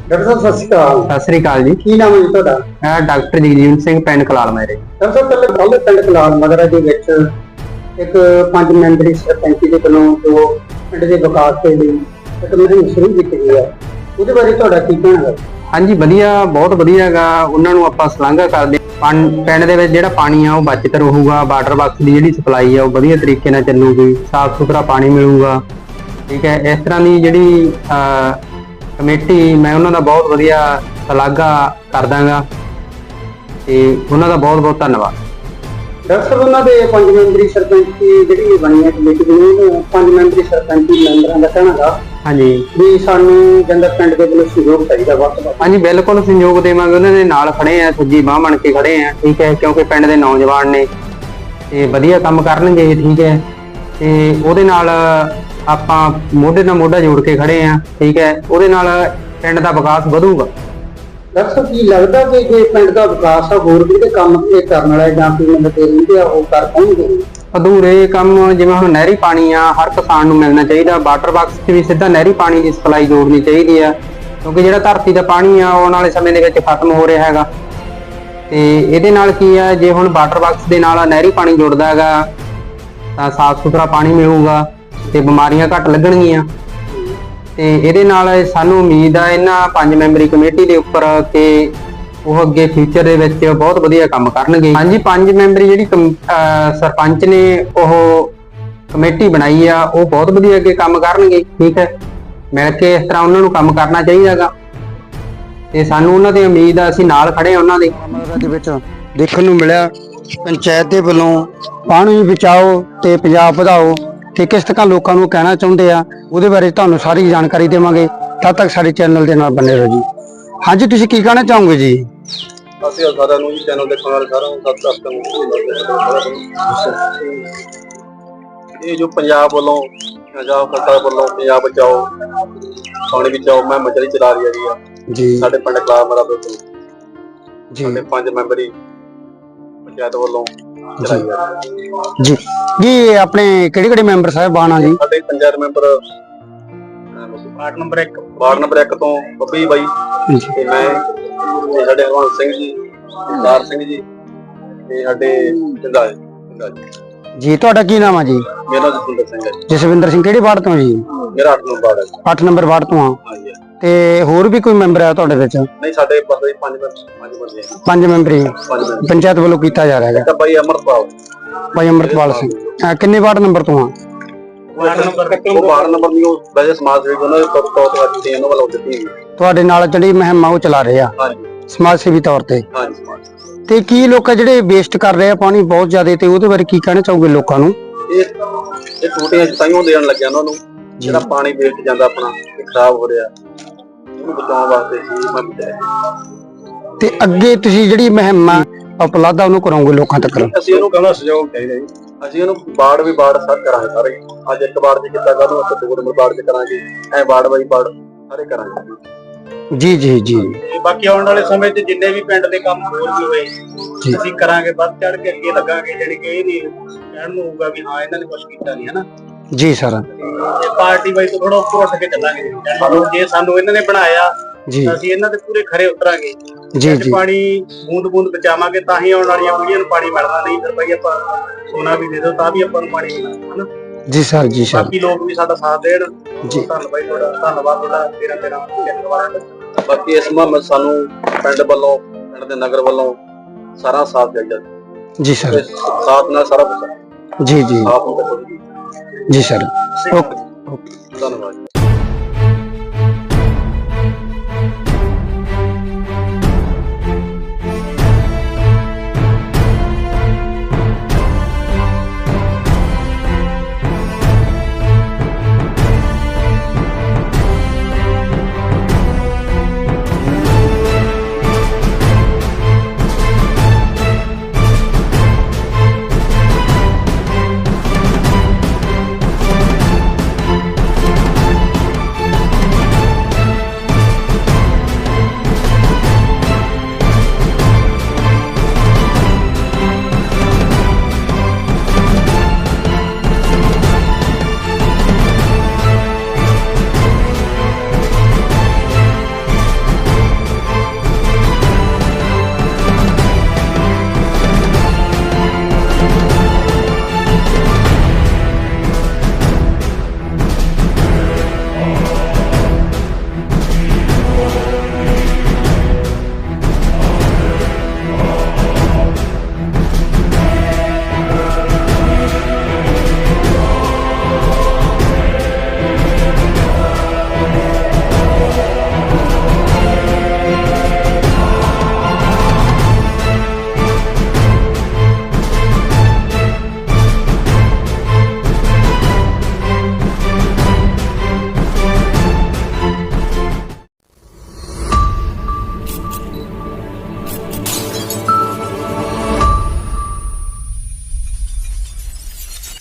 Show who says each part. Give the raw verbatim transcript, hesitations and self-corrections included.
Speaker 1: Doctor साहब सत श्री अकाल।
Speaker 2: सत श्री अकाल जी।
Speaker 1: की नाम है जी तुहाडा?
Speaker 2: मैं डॉक्टर जगजीवन सिंह पिंड कलाल मेरे।
Speaker 1: डॉक्टर साहब पहले कल पिंड कलाल मगरा दे विच एक पंज मैंबरी सरपंची दे वल्लों जो पिंड दे विकास दे लई एक मुहिम शुरू कीती गई है, ਉਹਦੇ ਬਾਰੇ ਤੁਹਾਡਾ ਕੀ ਕਹਿਣਾ ਹੈ?
Speaker 2: ਹਾਂਜੀ ਵਧੀਆ, ਬਹੁਤ ਵਧੀਆ ਹੈਗਾ। ਉਹਨਾਂ ਨੂੰ ਆਪਾਂ ਸਲਾਘਾ ਕਰਦੇ ਹਾਂ। ਪਿੰਡ ਦੇ ਵਿੱਚ ਜਿਹੜਾ ਪਾਣੀ ਆ ਉਹ ਬਚਤ ਰਹੂਗਾ, ਵਾਟਰ ਬਾਕਸ ਦੀ ਜਿਹੜੀ ਸਪਲਾਈ ਆ ਉਹ ਵਧੀਆ ਤਰੀਕੇ ਨਾਲ ਚੱਲੂਗੀ, ਸਾਫ਼ ਸੁਥਰਾ ਪਾਣੀ ਮਿਲੂਗਾ। ਠੀਕ ਹੈ, ਇਸ ਤਰ੍ਹਾਂ ਦੀ ਜਿਹੜੀ ਕਮੇਟੀ ਮੈਂ ਉਹਨਾਂ ਦਾ ਬਹੁਤ ਵਧੀਆ ਸਲਾਘਾ ਕਰਦਾਂਗਾ ਤੇ ਉਹਨਾਂ ਦਾ ਬਹੁਤ ਬਹੁਤ ਧੰਨਵਾਦ।
Speaker 1: ਡਾਕਟਰ ਸਾਹਿਬ ਉਹਨਾਂ ਦੇ ਪੰਜ ਮੈਂਬਰੀ ਸਰਪੰਚੀ ਜਿਹੜੀ ਬਣੀ ਹੈ ਕਮੇਟੀ ਦੀ, ਉਹਨੂੰ ਪੰਜ ਮੈਂਬਰੀ ਸਰਪੰਚੀ ਮੈਂਬਰਾਂ ਦਾ ਕਹਿਣਾ ਗਾ
Speaker 2: ਹਾਂਜੀ
Speaker 1: ਵੀ ਸਾਨੂੰ ਕਹਿੰਦਾ ਪਿੰਡ ਦੇ ਵੱਲੋਂ ਸਹਿਯੋਗ ਚਾਹੀਦਾ ਵੱਧ ਤੋਂ ਵੱਧ।
Speaker 2: ਹਾਂਜੀ ਬਿਲਕੁਲ ਸਹਿਯੋਗ ਦੇਵਾਂਗੇ, ਉਹਨਾਂ ਦੇ ਨਾਲ ਖੜੇ ਆ, ਸੱਜੀ ਬਾਂਹ ਬਣ ਕੇ ਖੜੇ ਆ। ਠੀਕ ਹੈ, ਕਿਉਂਕਿ ਪਿੰਡ ਦੇ ਨੌਜਵਾਨ ਨੇ ਤੇ ਵਧੀਆ ਕੰਮ ਕਰਨਗੇ। ਠੀਕ ਹੈ, ਤੇ ਉਹਦੇ ਨਾਲ ਆਪਾਂ ਮੋਢੇ ਨਾਲ ਮੋਢਾ ਜੋੜ ਕੇ ਖੜੇ ਆ। ਠੀਕ ਹੈ, ਉਹਦੇ ਨਾਲ ਪਿੰਡ ਦਾ ਵਿਕਾਸ ਵਧੂਗਾ।
Speaker 1: ਡਾਕਟਰ ਸਾਹਿਬ ਕੀ ਲੱਗਦਾ ਕਿ ਜੇ ਪਿੰਡ ਦਾ ਵਿਕਾਸ ਆ ਹੋਰ ਵੀ ਤੇ ਕੰਮ ਇਹ ਕਰਨ ਵਾਲੇ ਜਾਂ ਕੋਈ ਨਵੇਂ ਰਹਿੰਦੇ ਆ ਉਹ ਕਰ ਪਾਉਣਗੇ?
Speaker 2: ਅਧੂਰੇ ਕੰਮ ਜਿਵੇਂ ਹੁਣ ਨਹਿਰੀ ਪਾਣੀ ਆ ਹਰ ਕਿਸਾਨ ਨੂੰ ਮਿਲਣਾ ਚਾਹੀਦਾ। ਵਾਟਰ ਬਾਕਸ 'ਚ ਵੀ ਸਿੱਧਾ ਨਹਿਰੀ ਪਾਣੀ ਦੀ ਸਪਲਾਈ ਜੋੜਨੀ ਚਾਹੀਦੀ ਆ, ਕਿਉਂਕਿ ਜਿਹੜਾ ਧਰਤੀ ਦਾ ਪਾਣੀ ਆ ਆਉਣ ਵਾਲੇ ਸਮੇਂ ਦੇ ਵਿੱਚ ਖਤਮ ਹੋ ਰਿਹਾ ਹੈਗਾ। ਤੇ ਇਹਦੇ ਨਾਲ ਕੀ ਆ, ਜੇ ਹੁਣ ਵਾਟਰ ਬਾਕਸ ਦੇ ਨਾਲ ਨਹਿਰੀ ਪਾਣੀ ਜੁੜਦਾ ਹੈਗਾ ਤਾਂ ਸਾਫ਼ ਸੁਥਰਾ ਪਾਣੀ ਮਿਲੂਗਾ ਤੇ ਬਿਮਾਰੀਆਂ ਘੱਟ ਲੱਗਣਗੀਆਂ। ਤੇ ਇਹਦੇ ਨਾਲ ਸਾਨੂੰ ਉਮੀਦ ਆ ਇਹਨਾਂ ਪੰਜ ਮੈਂਬਰੀ ਕਮੇਟੀ ਦੇ ਉੱਪਰ ਕਿ ਉਹ ਅੱਗੇ ਫਿਊਚਰ ਦੇ ਵਿੱਚ ਬਹੁਤ ਵਧੀਆ ਕੰਮ ਕਰਨਗੇ। ਹਾਂਜੀ, ਪੰਜ ਮੈਂਬਰੀ ਜਿਹੜੀ ਸਰਪੰਚ ਨੇ ਉਹ ਕਮੇਟੀ ਬਣਾਈ ਆ ਉਹ ਬਹੁਤ ਵਧੀਆ ਅੱਗੇ ਕੰਮ ਕਰਨਗੇ। ਠੀਕ ਹੈ, ਮਿਲ ਕੇ ਇਸ ਤਰ੍ਹਾਂ ਉਹਨਾਂ ਨੂੰ ਕੰਮ ਕਰਨਾ ਚਾਹੀਦਾ ਗਾ ਤੇ ਸਾਨੂੰ ਉਹਨਾਂ ਦੀ ਉਮੀਦ ਆ, ਅਸੀਂ ਨਾਲ ਖੜੇ ਆ ਉਹਨਾਂ ਦੇ।
Speaker 1: ਦੇ ਵਿੱਚ ਦੇਖਣ ਨੂੰ ਮਿਲਿਆ ਪੰਚਾਇਤ ਦੇ ਵੱਲੋਂ ਪਾਣੀ ਬਚਾਓ ਤੇ ਪੰਜਾਬ ਵਧਾਓ ਤੇ ਕਿਸ ਤਰ੍ਹਾਂ ਲੋਕਾਂ ਨੂੰ ਕਹਿਣਾ ਚਾਹੁੰਦੇ ਆ ਉਹਦੇ ਬਾਰੇ ਤੁਹਾਨੂੰ ਸਾਰੀ ਜਾਣਕਾਰੀ ਦੇਵਾਂਗੇ। ਤਦ ਤੱਕ ਸਾਡੇ ਚੈਨਲ ਦੇ ਨਾਲ ਬਣੇ ਰਹੋ ਜੀ। ਹਾਂਜੀ, ਤੁਸੀਂ ਕੀ ਕਹਿਣਾ ਚਾਹੋਗੇ ਜੀ?
Speaker 3: ਅਸੀਂ ਸਾਰਿਆਂ ਨੂੰ ਚੈਨਲ ਦੇਖਣ ਵਾਲੇ ਸਾਰਿਆਂ ਨੂੰ ਸਤਿ ਸ੍ਰੀ ਅਕਾਲ। ਇਹ ਜੋ ਪੰਜਾਬ ਵੱਲੋਂ ਪੰਜਾਬ ਸਰਕਾਰ ਵੱਲੋਂ ਪੰਜਾਬ ਬਚਾਓ ਪਾਣੀ ਬਚਾਓ ਮੈਂ ਮਚਲੀ ਚਲਾ ਰਹੀ ਹੈਗੀ ਆ
Speaker 1: ਜੀ
Speaker 3: ਸਾਡੇ ਪਿੰਡ ਕਲਾਲ ਮੇਰਾ ਬਿਲਕੁਲ
Speaker 1: ਜੀ
Speaker 3: ਸਾਡੇ ਪੰਜ ਮੈਂਬਰੀ ਪੰਚਾਇਤ ਵੱਲੋਂ ਚਲਾਈ ਜਾ
Speaker 1: ਜੀ ਜੀ ਆਪਣੇ ਕਿਹੜੇ ਕਿਹੜੇ ਮੈਂਬਰ ਸਾਹਿਬਾਨ ਆ ਜੀ?
Speaker 3: ਸਾਡੇ ਪੰਚਾਇਤ ਮੈਂਬਰ ਵਾਰਡ ਨੰਬਰ ਇੱਕ ਵਾਰਡ ਨੰਬਰ ਇੱਕ ਤੋਂ ਬੱਬੀ ਬਾਈ ਤੇ ਮੈਂ ਤੇ ਸਾਡੇ ਹਰਵੰਤ ਸਿੰਘ ਜੀ, ਸਰਦਾਰ ਸਿੰਘ ਜੀ ਤੇ ਸਾਡੇ ਜਿੰਦਾ ਜਿੰਦਾ ਜੀ।
Speaker 1: ਜੀ ਤੁਹਾਡਾ ਕੀ ਨਾਮ ਆ ਜੀ?
Speaker 3: ਮੇਰਾ ਨਾਮ ਜਸਵਿੰਦਰ ਸਿੰਘ ਹੈ।
Speaker 1: ਜਸਵਿੰਦਰ ਸਿੰਘ ਕਿਹੜੇ ਵਾਰਡ ਤੋਂ ਜੀ?
Speaker 3: ਮੇਰਾ ਅੱਠ ਨੰਬਰ ਵਾਰਡ ਹੈ।
Speaker 1: ਅੱਠ ਨੰਬਰ ਵਾਰਡ ਤੋਂ ਆ।
Speaker 3: ਹਾਂਜੀ
Speaker 1: ਤੇ ਹੋਰ ਵੀ ਕੋਈ ਮੈਂਬਰ ਆ ਤੁਹਾਡੇ ਵਿੱਚ?
Speaker 3: ਨਹੀਂ, ਸਾਡੇ ਪਾਸ ਪੰਜ ਪੰਜ ਬੰਦੇ ਆ।
Speaker 1: ਪੰਜ ਮੈਂਬਰੀ
Speaker 3: ਪੰਜ ਮੈਂਬਰ
Speaker 1: ਪੰਚਾਇਤ ਵੱਲੋਂ ਕੀਤਾ ਜਾ ਰਿਹਾ ਹੈ।
Speaker 3: ਇੱਕ ਬਾਈ ਅਮਰਪਾਲ
Speaker 1: ਭਾਈ ਅਮਰਪਾਲ ਸਿੰਘ ਅਹ ਕਿੰਨੇ ਵਾਰਡ ਨੰਬਰ ਤੋਂ ਆ?
Speaker 3: ਵਾਰਡ ਨੰਬਰ ਉਹ ਵਾਰਡ ਨੰਬਰ ਦੀ ਉਹ ਵੈਸੇ ਸਮਾਜ ਸੇਵੀ ਉਹਨਾਂ ਦੇ ਤੌਰ ਤੇ ਅੱਜ ਤੇ ਇਹਨਾਂ ਵੱਲੋਂ ਦਿੱਤੀ
Speaker 1: ਤੁਹਾਡੇ ਨਾਲ ਜਿਹੜੀ ਮੁਹਿੰਮ ਆ ਉਹ ਚਲਾ ਰਹੇ ਆ
Speaker 3: ਹਾਂਜੀ
Speaker 1: ਸਮਾਜ ਸੇਵੀ ਤੌਰ ਤੇ।
Speaker 3: ਹਾਂਜੀ।
Speaker 1: ਤੇ ਕੀ ਲੋਕ ਜਿਹੜੇ ਵੇਸਟ ਕਰ ਰਹੇ ਆ ਪਾਣੀ ਬਹੁਤ ਜ਼ਿਆਦਾ, ਤੇ ਉਹਦੇ ਬਾਰੇ ਕੀ ਕਹਿਣਾ ਚਾਹੋਗੇ ਲੋਕਾਂ ਨੂੰ?
Speaker 3: ਇਹ ਇਹ ਟੂਟੀਆਂ ਤਾਈਓ ਦੇਣ ਲੱਗਿਆ ਉਹਨਾਂ ਨੂੰ ਜਿਹੜਾ ਪਾਣੀ ਵੇਸਟ ਜਾਂਦਾ ਆਪਣਾ ਇਹ ਖਰਾਬ ਹੋ ਰਿਹਾ ਉਹਨੂੰ ਬਚਾਉਣ ਵਾਸਤੇ ਸੀ ਮੈਂ ਬਚਾਇਆ।
Speaker 1: ਤੇ ਅੱਗੇ ਤੁਸੀਂ ਜਿਹੜੀ ਮੁਹਿੰਮ ਆ ਉਪਲਬਧ ਉਹਨੂੰ ਕਰਾਉਂਗੇ ਲੋਕਾਂ ਤੱਕ?
Speaker 3: ਅਸੀਂ ਉਹਨੂੰ ਕਹਿੰਦਾ ਸਹਿਯੋਗ ਚਾਹੀਦਾ ਜੀ। ਅਸੀਂ ਉਹਨੂੰ ਵਾਰਡ ਵੀ ਵਾਰਡ ਸਰ ਕਰਾਂਗੇ ਸਾਰੇ। ਅੱਜ ਇੱਕ ਵਾਰਡ 'ਚ ਕੀਤਾ, ਕੱਲ੍ਹ ਨੂੰ ਆਪਾਂ ਦੋ ਨੰਬਰ ਵਾਰਡ 'ਚ ਕਰਾਂਗੇ, ਐ ਵਾਰਡ ਬਾਈ ਵਾਰਡ ਸਾਰੇ ਕਰਾਂਗੇ।
Speaker 1: ਜੀ ਜੀ ਜੀ
Speaker 4: ਤੇ ਬਾਕੀ ਆਉਣ ਵਾਲੇ ਸਮੇਂ 'ਚ ਜਿੰਨੇ ਵੀ ਪਿੰਡ ਦੇ ਕੰਮ ਹੋਰ ਵੀ ਹੋਏ ਅਸੀਂ ਕਰਾਂਗੇ, ਵੱਧ ਚੜ ਕੇ ਅੱਗੇ ਲੱਗਾਂਗੇ। ਜਿਹੜੀ ਕਿ ਇਹ ਨਹੀਂ ਕਹਿਣ ਨੂੰ ਹੋਊਗਾ ਵੀ ਹਾਂ ਇਹਨਾਂ ਨੇ ਕੁਝ ਕੀਤਾ ਨਹੀਂ, ਹਨਾ
Speaker 1: ਜੀ ਸਰ।
Speaker 4: ਤੇ ਪਾਰਟੀ ਬਾਈ ਤੋਂ ਥੋੜਾ ਉੱਪਰ ਉੱਠ ਕੇ ਚੱਲਾਂਗੇ। ਜੇ ਸਾਨੂੰ ਇਹਨਾਂ ਨੇ ਬਣਾਇਆ
Speaker 1: ਜੀ
Speaker 4: ਤਾਂ ਅਸੀਂ ਇਹਨਾਂ ਦੇ ਪੂਰੇ ਖਰੇ ਉਤਰਾਂਗੇ।
Speaker 1: ਜੀ ਜੀ
Speaker 4: ਪਾਣੀ ਬੂੰਦ ਬੂੰਦ ਬਚਾਵਾਂਗੇ ਤਾਂ ਹੀ ਆਉਣ ਵਾਲੀਆਂ ਪੀੜ੍ਹੀਆਂ ਨੂੰ ਪਾਣੀ ਮਿਲਣਾ। ਨਹੀਂ ਫਿਰ ਬਾਈ ਆਪਾਂ ਸੋਨਾ ਵੀ ਦੇ ਦੋ ਤਾਂ ਵੀ ਆਪਾਂ ਨੂੰ ਪਾਣੀ ਮਿਲਣਾ, ਹਨਾ।
Speaker 1: ਜੀ ਸਰ ਜੀ ਸਰ।
Speaker 4: ਬਾਕੀ ਲੋਕ ਵੀ ਸਾਡਾ ਸਾਥ ਦੇਣ।
Speaker 1: ਜੀ
Speaker 4: ਧੰਨਵਾਦ ਬਾਈ ਤੁਹਾਡਾ, ਧੰਨਵਾਦ ਤੁਹਾਡਾ ਤੇਰਾ ਤੇਰਾ ਚੈਨਲ ਵਾਲਿਆਂ ਦਾ।
Speaker 3: ਬਾਕੀ ਇਸ ਮੁਹਿੰਮ ਸਾਨੂੰ ਪਿੰਡ ਵੱਲੋਂ ਪਿੰਡ ਦੇ ਨਗਰ ਵੱਲੋਂ ਸਾਰਾ ਸਾਥ ਚਾਹੀਦਾ
Speaker 1: ਜੀ ਸਰ।
Speaker 3: ਸਾਥ ਨਾਲ ਸਾਰਾ ਕੁਝ
Speaker 1: ਜੀ ਜੀ
Speaker 3: ਸਾਫ ਹੁੰਦਾ
Speaker 1: ਜੀ ਸਰ। ਓਕੇ
Speaker 3: ਧੰਨਵਾਦ।